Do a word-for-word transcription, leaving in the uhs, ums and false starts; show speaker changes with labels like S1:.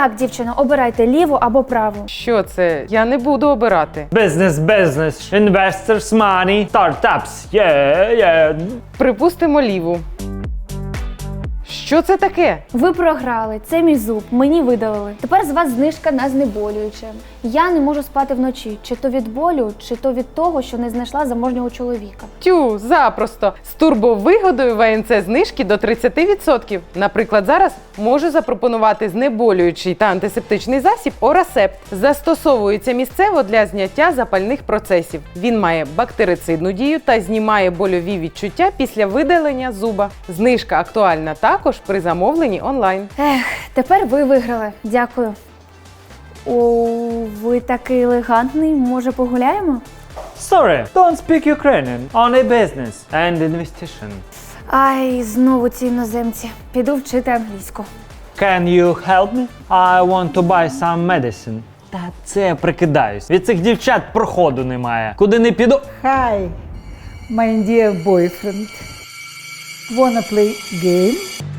S1: Так, дівчино, обирайте ліву або праву.
S2: Що це? Я не буду обирати.
S3: Business, business, investors, money, startups, yeah, yeah.
S2: Припустимо ліву. Що це таке?
S1: Ви програли, це мій зуб, мені видалили. Тепер з вас знижка на знеболююче. Я не можу спати вночі, чи то від болю, чи то від того, що не знайшла заможнього чоловіка.
S2: Тю, запросто. З турбовигодою ВНЦ знижки до тридцяти відсотків. Наприклад, зараз можу запропонувати знеболюючий та антисептичний засіб Орасепт. Застосовується місцево для зняття запальних процесів. Він має бактерицидну дію та знімає больові відчуття після видалення зуба. Знижка актуальна також при замовленні онлайн.
S1: Ех, тепер ви виграли. Дякую. О, ви такий елегантний. Може, погуляємо?
S3: Sorry, don't speak Ukrainian. Only business and investigation.
S1: Ай, знову ці іноземці. Піду вчити англійську.
S3: Can you help me? I want to buy some medicine. Та це я прикидаюсь. Від цих дівчат проходу немає. Куди не піду.
S4: Hi, my dear boyfriend. Wanna play game?